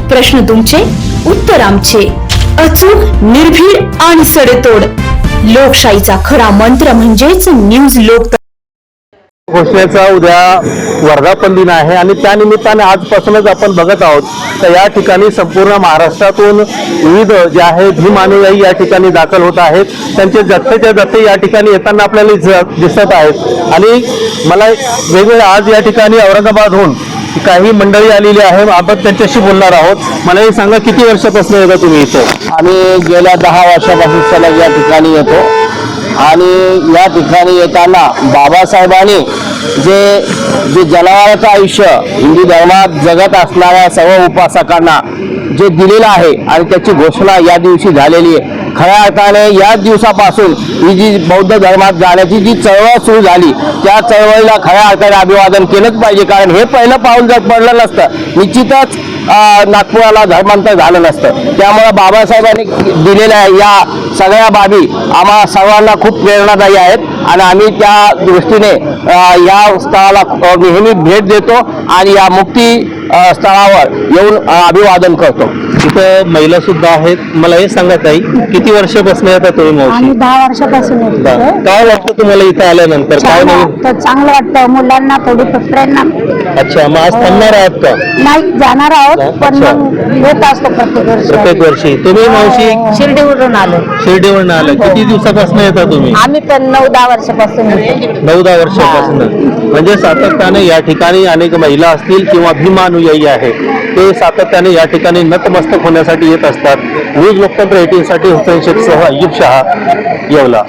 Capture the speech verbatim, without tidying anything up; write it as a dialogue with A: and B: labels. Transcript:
A: प्रश्न तुमचे, उत्तर आमचे. अचूक, निर्भीड आणि सडेतोड. लोकशाहीचा खरा मंत्र म्हणजेच न्यूज लोक.
B: घोषणेचा उद्या वर्धापन दिन आहे आणि त्यानिमित्ताने आजपासूनच आपण बघत आहोत तर या ठिकाणी संपूर्ण महाराष्ट्रातून विविध जे आहे भीम अनुयायी या ठिकाणी दाखल होत आहेत. त्यांचे जत्थेच्या जत्थे या ठिकाणी येताना आपल्याला दिसत आहेत आणि मला वेगवेगळे आज या ठिकाणी औरंगाबादहून काही मंडळी आलेली आहे. आपण त्यांच्याशी बोलणार आहोत. मला हे सांगा, किती वर्षापासून येता तुम्ही इथं?
C: आम्ही गेल्या दहा वर्षापासून सलग या ठिकाणी येतो आणि या ठिकाणी येताना बाबासाहेबांनी जे जे जनावरांचं आयुष्य हिंदू धर्मात जगत असणाऱ्या सर्व उपासकांना जे दिलेलं आहे आणि त्याची घोषणा या दिवशी झालेली आहे. खऱ्या अर्थाने या दिवसापासून ही जी बौद्ध धर्मात जाण्याची जी चळवळ सुरू झाली त्या चळवळीला खऱ्या अर्थाने अभिवादन केलंच पाहिजे, कारण हे पहिलं पाऊल जर पडलं नसतं निश्चितच नागपुराला धर्मांतर झालं नसतं. त्यामुळे बाबासाहेबांनी दिलेल्या या सगळ्या बाबी आम्हा सर्वांना खूप प्रेरणादायी आहेत आणि आम्ही त्या दृष्टीने या स्थळाला नेहमी भेट देतो आणि या मुक्ती स्थळावर येऊन अभिवादन करतो.
B: तिथं महिला सुद्धा आहेत. मला हे सांगा ताई, किती वर्षापासून येतात तुम्ही मावशी?
D: आम्ही दहा वर्षापासून येतो.
B: काय वाटतं तुम्हाला इथं आल्यानंतर? काय नाही
D: तर चांगलं वाटतं, मुलांना थोडी प्रेरणा.
B: अच्छा, मग आज थांबणार आहात का?
D: नाही, जाणार आहोत पण मग येत असतो प्रत्येक वर्षी.
B: प्रत्येक वर्षी. तुम्ही मावशी
D: शिर्डीवरून आलो.
B: शिर्डीवरून आलं. किती दिवसापासून येता तुम्ही?
D: आम्ही पण नऊ दहा वर्षापासून येतो.
B: नऊ दहा वर्षापासून. म्हणजे सातत्याने या ठिकाणी अनेक महिला असतील किंवा भीम अनुयायी आहे ते सातत्याने या ठिकाणी नतमस्तक होण्यासाठी येत असतात. न्यूज लोकतंत्र एटीन साठी हुसेन शेख सह अय्यूब शहा, येवला.